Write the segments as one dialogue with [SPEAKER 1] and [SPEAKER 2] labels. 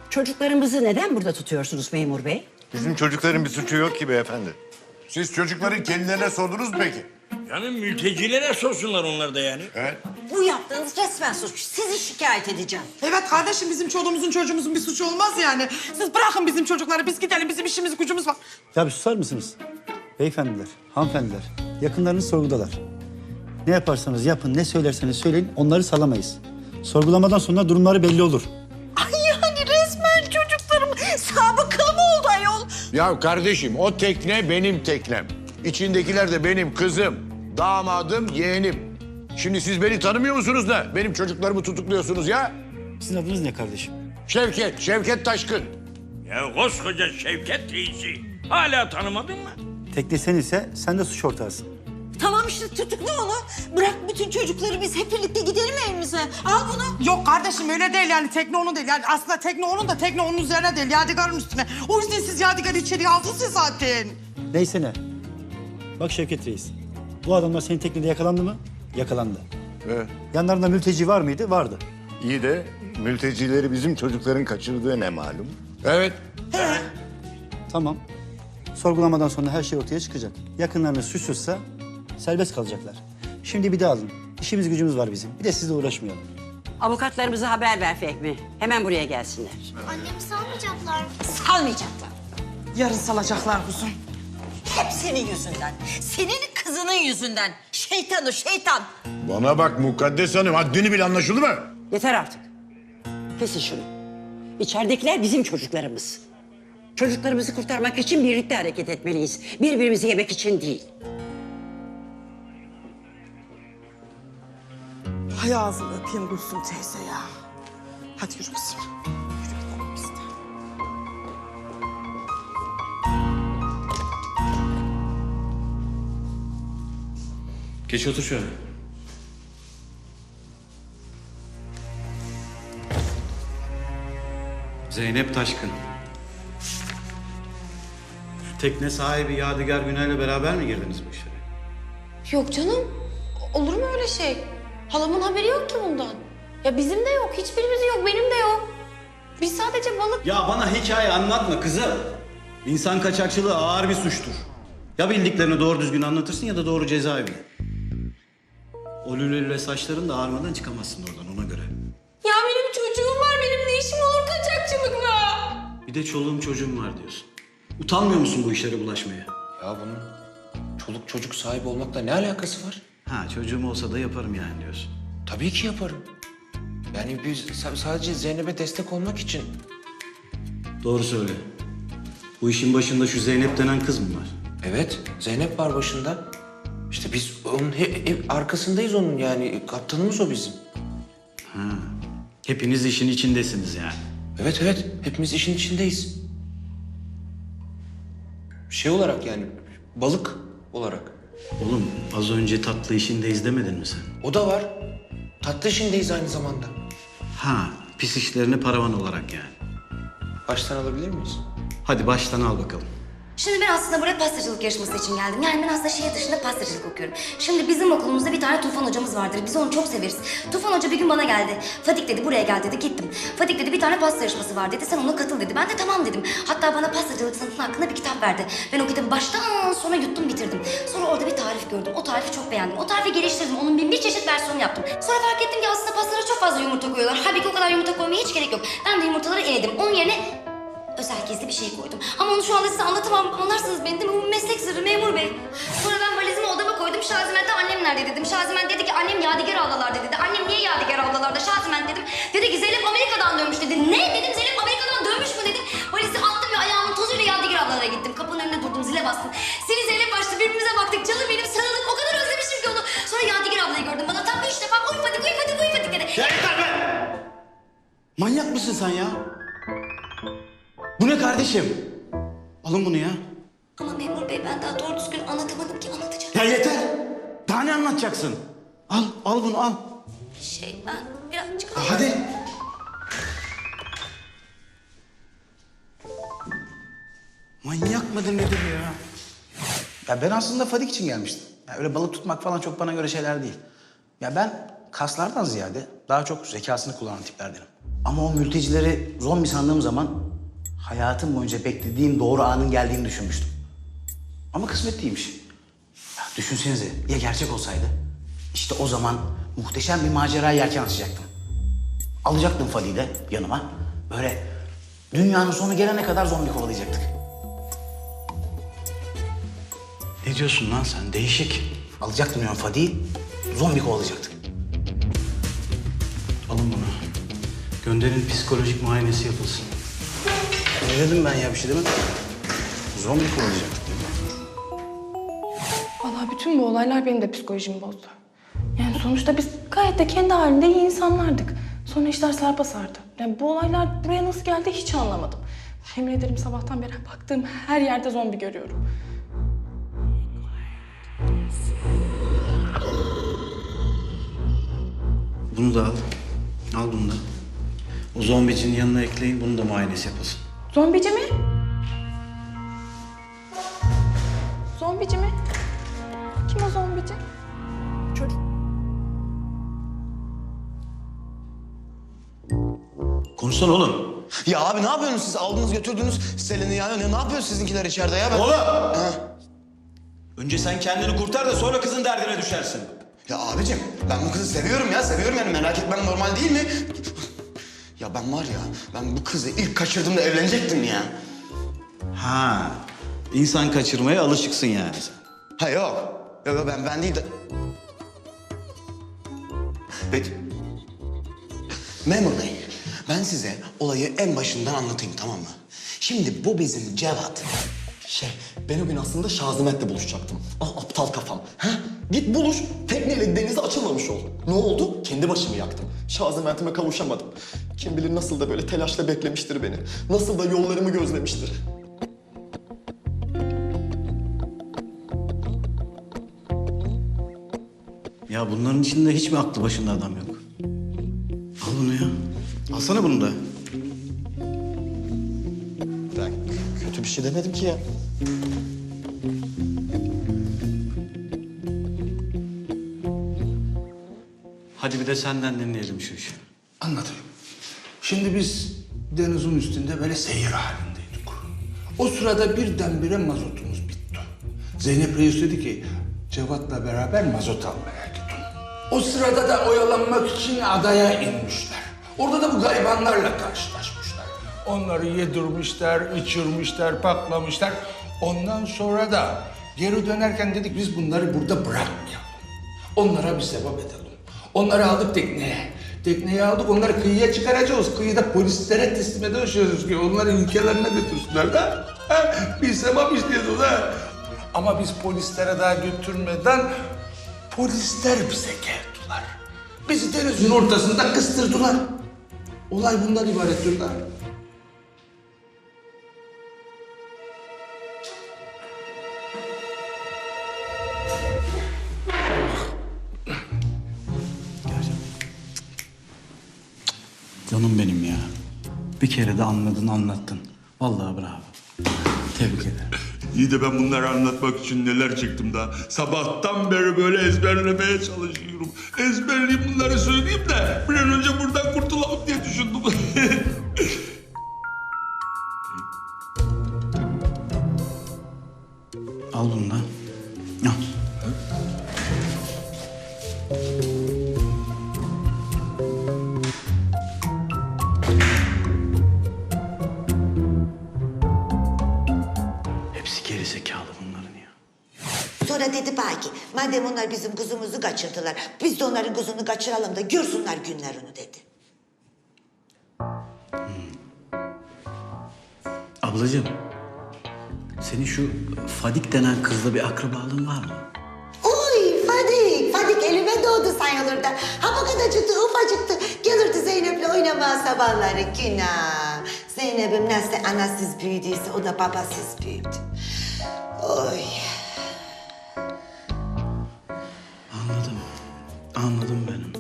[SPEAKER 1] Çocuklarımızı neden burada tutuyorsunuz memur bey?
[SPEAKER 2] Bizim çocukların bir suçu yok ki beyefendi.
[SPEAKER 3] Siz çocukların kendilerine sordunuz mu peki?
[SPEAKER 4] Yani mültecilere sorsunlar onlar da yani.
[SPEAKER 3] Evet.
[SPEAKER 1] Bu yaptığınız resmen suç. Sizi şikayet edeceğim.
[SPEAKER 5] Evet kardeşim, bizim çoluğumuzun çocuğumuzun bir suçu olmaz yani. Siz bırakın bizim çocukları, biz gidelim, bizim işimiz gücümüz var.
[SPEAKER 6] Ya bir susar mısınız? Beyefendiler, hanımefendiler, yakınlarınız sorgudalar. Ne yaparsanız yapın, ne söylerseniz söyleyin, onları salamayız. Sorgulamadan sonra durumları belli olur.
[SPEAKER 1] Ay yani resmen çocuklarım sabıkalı mı oldu ayol?
[SPEAKER 3] Ya kardeşim o tekne benim teknem. İçindekiler de benim kızım, damadım, yeğenim. Şimdi siz beni tanımıyor musunuz da benim çocuklarımı tutukluyorsunuz ya?
[SPEAKER 6] Sizin adınız ne kardeşim?
[SPEAKER 3] Şevket Taşkın.
[SPEAKER 4] Ya koskoca Şevket reisi. Hala tanımadın mı?
[SPEAKER 6] Tekne sen ise sen de suç ortağısın.
[SPEAKER 1] Tamam işte tutukla onu. Bırak bütün çocukları biz hep birlikte gidelim evimize. Al bunu.
[SPEAKER 5] Yok kardeşim, öyle değil yani, tekne onun değil. Yani aslında tekne onun da tekne onun üzerine değil, Yadigar'ın üstüne. O yüzden siz Yadigar'ı içeriye aldınız ya zaten.
[SPEAKER 6] Neyse ne. Bak Şevket Reis, bu adamlar senin teknede yakalandı mı? Yakalandı. Yanlarında mülteci var mıydı? Vardı.
[SPEAKER 2] İyi de mültecileri bizim çocukların kaçırdığı ne malum?
[SPEAKER 3] Evet.
[SPEAKER 6] Tamam. Sorgulamadan sonra her şey ortaya çıkacak. Yakınlarınız suçsuzsa serbest kalacaklar. Şimdi bir de alın. İşimiz gücümüz var bizim. Bir de sizle uğraşmayalım.
[SPEAKER 1] Avukatlarımıza haber ver Fehmi. Hemen buraya gelsinler.
[SPEAKER 7] Annemi salmayacaklar.
[SPEAKER 1] Salmayacaklar.
[SPEAKER 5] Yarın salacaklar kuzum.
[SPEAKER 1] Hep senin yüzünden. Senin kızının yüzünden. Şeytan o şeytan.
[SPEAKER 3] Bana bak Mukaddes Hanım, haddini bil, anlaşıldı mı?
[SPEAKER 1] Yeter artık. Kesin şunu. İçeridekiler bizim çocuklarımız. Çocuklarımızı kurtarmak için birlikte hareket etmeliyiz. Birbirimizi yemek için değil.
[SPEAKER 5] Hay ağzını öpeyim Gülsüm teyze ya. Hadi yürü kızım. Yürü gidelim biz de.
[SPEAKER 8] Geç otur şöyle. Zeynep Taşkın. Şu tekne sahibi Yadigar Günay'la beraber mi girdiniz bu işe?
[SPEAKER 7] Yok canım. Olur mu öyle şey? Halamın haberi yok ki bundan. Ya bizim de yok. Hiçbirimizin yok. Benim de yok. Biz sadece balık...
[SPEAKER 8] Ya bana hikaye anlatma kızım. İnsan kaçakçılığı ağır bir suçtur. Ya bildiklerini doğru düzgün anlatırsın ya da doğru cezaevine. O lülelüle saçların da ağarmadan çıkamazsın oradan, ona göre.
[SPEAKER 7] Ya benim çocuğum var. Benim ne işim olur kaçakçılıkla?
[SPEAKER 8] Bir de çoluğum çocuğum var diyorsun. Utanmıyor musun bu işlere bulaşmaya?
[SPEAKER 9] Ya bunun çoluk çocuk sahibi olmakla ne alakası var?
[SPEAKER 8] Ha, çocuğum olsa da yaparım yani diyorsun.
[SPEAKER 9] Tabii ki yaparım. Yani biz sadece Zeynep'e destek olmak için.
[SPEAKER 8] Doğru söyle. Bu işin başında şu Zeynep denen kız mı var?
[SPEAKER 9] Evet, Zeynep var başında. İşte biz onun arkasındayız onun yani. Kaptanımız o bizim.
[SPEAKER 8] Hepiniz işin içindesiniz yani.
[SPEAKER 9] Evet, hepimiz işin içindeyiz. Şey olarak yani, balık olarak.
[SPEAKER 8] Oğlum az önce tatlı işindeyiz demedin mi sen?
[SPEAKER 9] O da var. Tatlı işindeyiz aynı zamanda.
[SPEAKER 8] Ha, pis işlerini paravan olarak yani.
[SPEAKER 9] Baştan alabilir miyiz?
[SPEAKER 8] Hadi baştan al bakalım.
[SPEAKER 7] Şimdi ben aslında buraya pastacılık yarışması için geldim. Yani ben aslında şehir dışında pastacılık okuyorum. Şimdi bizim okulumuzda bir tane Tufan hocamız vardır. Biz onu çok severiz. Tufan hoca bir gün bana geldi. Fadik dedi, buraya gel dedi, gittim. Fadik dedi, bir tane pasta yarışması var dedi. Sen ona katıl dedi. Ben de tamam dedim. Hatta bana pastacılık sanatının hakkında bir kitap verdi. Ben o kitabı baştan sona yuttum, bitirdim. Sonra orada bir tarif gördüm. O tarifi çok beğendim. O tarifi geliştirdim. Onun bin bir çeşit versiyonu yaptım. Sonra fark ettim ki aslında pastalara çok fazla yumurta koyuyorlar. Halbuki o kadar yumurta koymaya hiç gerek yok. Ben de yumurtaları eledim. Onun yerine özel gizli bir şey koydum. Ama onu şu anda size anlatamam. Anlarsınız beni değil mi? Bu meslek sırrı memur bey. Sonra ben valizimi odama koydum. Şaziment'e annem nerede dedim. Şaziment dedi ki annem Yadigar ablalarda dedi. Annem niye Yadigar ablalarda? Şaziment dedim. Dedi ki Zeynep Amerika'dan dönmüş dedi. Ne dedim, Zeynep Amerika'dan dönmüş mü dedim. Valizi attım ve ayağımın tozuyla Yadigar ablalara gittim. Kapının önünde durdum, zile bastım. Seni Zeynep açtı, birbirimize baktık. Canım benim, sarıldık. O kadar özlemişim ki onu. Sonra Yadigar ablayı gördüm. Bana tam 3 defa uy Fadik dedi.
[SPEAKER 8] Ya yeter be! Manyak mısın sen ya? Bu ne kardeşim? Alın bunu ya.
[SPEAKER 7] Ama memur bey ben daha doğru düzgün anlatamadım ki, anlatacağım.
[SPEAKER 8] Ya yeter! Daha ne anlatacaksın? Al bunu al.
[SPEAKER 7] Ben birazcık...
[SPEAKER 8] Hadi. Manyak mıdır nedir ya?
[SPEAKER 10] Ya ben aslında Fadik için gelmiştim. Ya öyle balık tutmak falan çok bana göre şeyler değil. Ya ben kaslardan ziyade daha çok zekasını kullanan tiplerdenim. Ama o mültecileri zombi sandığım zaman hayatım boyunca beklediğim doğru anın geldiğini düşünmüştüm. Ama kısmet değilmiş. Ya düşünsenize ya gerçek olsaydı? İşte o zaman muhteşem bir macera yelken açacaktım. Alacaktım Fadi'yi de yanıma. Böyle dünyanın sonu gelene kadar zombi kovalayacaktık.
[SPEAKER 8] Ne diyorsun lan sen? Değişik.
[SPEAKER 10] Alacaktım yani Fadi'yi, zombi kovalayacaktık.
[SPEAKER 8] Alın bunu. Gönderin psikolojik muayenesi yapılsın.
[SPEAKER 10] Ne dedim ben ya bir şey demedim. Zombi kovalayacaktık değil mi?
[SPEAKER 11] Vallahi bütün bu olaylar benim de psikolojimi bozdu. Yani sonuçta biz gayet de kendi halinde iyi insanlardık. Sonra işler sarpa sardı. Yani bu olaylar buraya nasıl geldi hiç anlamadım. Yemin ederim sabahtan beri baktığım her yerde zombi görüyorum.
[SPEAKER 8] Bunu da al. Al bunu da. O zombicinin yanına ekleyin, bunu da muayenesi yapılsın.
[SPEAKER 11] Zombici mi? Zombici mi? Kim o zombici? Çocuk.
[SPEAKER 8] Konuşsana oğlum.
[SPEAKER 12] Ya abi ne yapıyorsunuz siz? Aldınız götürdünüz Selin'i ya. Ne yapıyor sizinkiler içeride ya? Ben...
[SPEAKER 8] Oğlum!
[SPEAKER 12] Ha.
[SPEAKER 8] Önce sen kendini kurtar da sonra kızın derdine düşersin.
[SPEAKER 12] Ya abicim ben bu kızı seviyorum ya. Seviyorum yani merak etmen normal değil mi? Ya ben var ya ben bu kızı ilk kaçırdığımda evlenecektim ya.
[SPEAKER 8] Ha, insan kaçırmaya alışıksın yani sen.
[SPEAKER 12] Ha yok. Yok ben değil de... Peki. Memur Bey, ben size olayı en başından anlatayım tamam mı? Şimdi bu bizim Cevat.
[SPEAKER 13] Ben o gün aslında Şazimet'le buluşacaktım. Ah aptal kafam. Ha? Git buluş, tekneyle denize açılmamış ol. Ne oldu? Kendi başımı yaktım. Şazimet'ime kavuşamadım. Kim bilir nasıl da böyle telaşla beklemiştir beni. Nasıl da yollarımı gözlemiştir.
[SPEAKER 8] Ya bunların içinde hiç mi aklı başında adam yok? Al bunu ya. Alsana bunu da.
[SPEAKER 13] Ben kötü bir şey demedim ki ya.
[SPEAKER 8] Hadi bir de senden dinleyelim şu işi.
[SPEAKER 14] Anlatayım. Şimdi biz denizin üstünde böyle seyir halindeydik. O sırada birdenbire mazotumuz bitti. Zeynep Reis dedi ki Cevat'la beraber mazot almaya gidin. O sırada da oyalanmak için adaya inmişler. Orada da bu garibanlarla karşılaşmışlar. Onları yedirmişler, içirmişler, paklamışlar. Ondan sonra da geri dönerken dedik biz bunları burada bırakmayalım. Onlara bir sevap edelim. Onları aldık tekneye. Tekneyi aldık, onları kıyıya çıkaracağız. Kıyıda polislere teslim edeceğiz ki onları ülkelerine götürsünler de. Ha? Bir sevap işliyoruz ha. Ama biz polislere daha götürmeden polisler bize geldiler. Bizi denizin ortasında kıstırdılar. Olay bundan ibarettir lan.
[SPEAKER 8] Canım benim ya. Bir kere de anladın, anlattın. Vallahi bravo. Tebrik ederim.
[SPEAKER 15] İyi de ben bunları anlatmak için neler çektim daha. Sabahtan beri böyle ezberlemeye çalışıyorum. Ezberleyeyim bunları söyleyeyim de bir an önce buradan kurtulalım diye düşündüm.
[SPEAKER 8] Al bunu da. Al. Hepsi geri zekalı bunların ya.
[SPEAKER 16] Sonra dedi belki madem onlar bizim kuzumuzu kaçırdılar biz de onların kuzunu kaçıralım da görsünler günlerini dedi.
[SPEAKER 8] Ablacığım, senin şu Fadik denen kızla bir akrabalığın var mı?
[SPEAKER 16] Uy Fadik, Fadik elime doğdu sayılır da. Ha bu kadarcıktı, ufacıktı. Gelirdi Zeynep'le oynamaya sabahları günah. Zeynep'im nasıl anasız büyüdüyse o da babasız büyüdü. Oy.
[SPEAKER 8] Anladım. Anladım benim.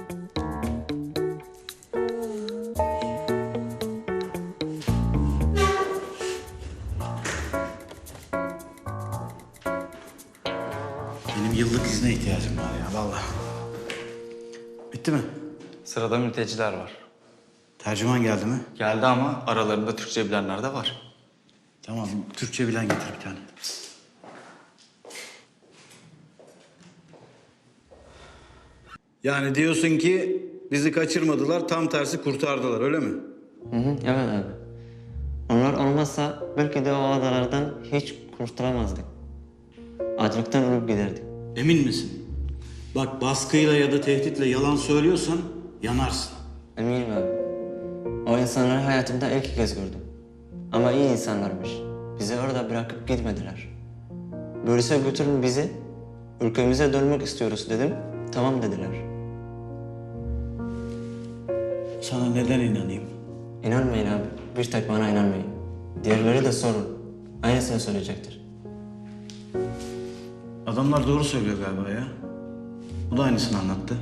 [SPEAKER 8] Benim yıllık izne ihtiyacım var ya vallahi. Bitti mi?
[SPEAKER 17] Sırada mülteciler var.
[SPEAKER 8] Tercüman geldi mi?
[SPEAKER 17] Geldi ama aralarında Türkçe bilenler de var.
[SPEAKER 8] Tamam, Türkçe bilen getir bir tane. Yani diyorsun ki bizi kaçırmadılar, tam tersi kurtardılar, öyle mi?
[SPEAKER 18] Evet abi. Onlar olmazsa belki de o adalardan hiç kurtulamazdık. Açlıktan ölüp giderdik.
[SPEAKER 8] Emin misin? Bak baskıyla ya da tehditle yalan söylüyorsan yanarsın.
[SPEAKER 18] Eminim abi. O insanları hayatımda ilk kez gördüm. Ama iyi insanlarmış. Bizi orada bırakıp gitmediler. Böylese götürün bizi. Ülkemize dönmek istiyoruz dedim. Tamam dediler.
[SPEAKER 8] Sana neden inanayım?
[SPEAKER 18] İnanmayın abi. Bir tek bana inanmayın. Diğerleri de sorun. Aynısını söyleyecektir.
[SPEAKER 8] Adamlar doğru söylüyor galiba ya. Bu da aynısını anlattı.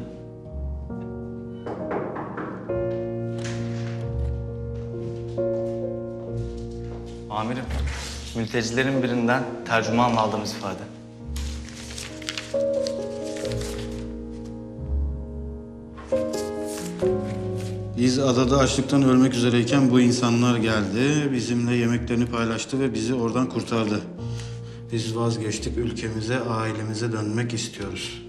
[SPEAKER 17] Amirim, mültecilerin birinden tercümanla aldığımız ifade.
[SPEAKER 8] Biz adada açlıktan ölmek üzereyken bu insanlar geldi, bizimle yemeklerini paylaştı ve bizi oradan kurtardı. Biz vazgeçtik, ülkemize, ailemize dönmek istiyoruz.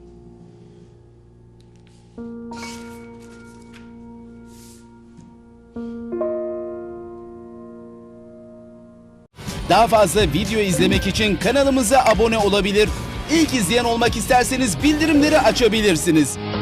[SPEAKER 19] Daha fazla video izlemek için kanalımıza abone olabilir. İlk izleyen olmak isterseniz bildirimleri açabilirsiniz.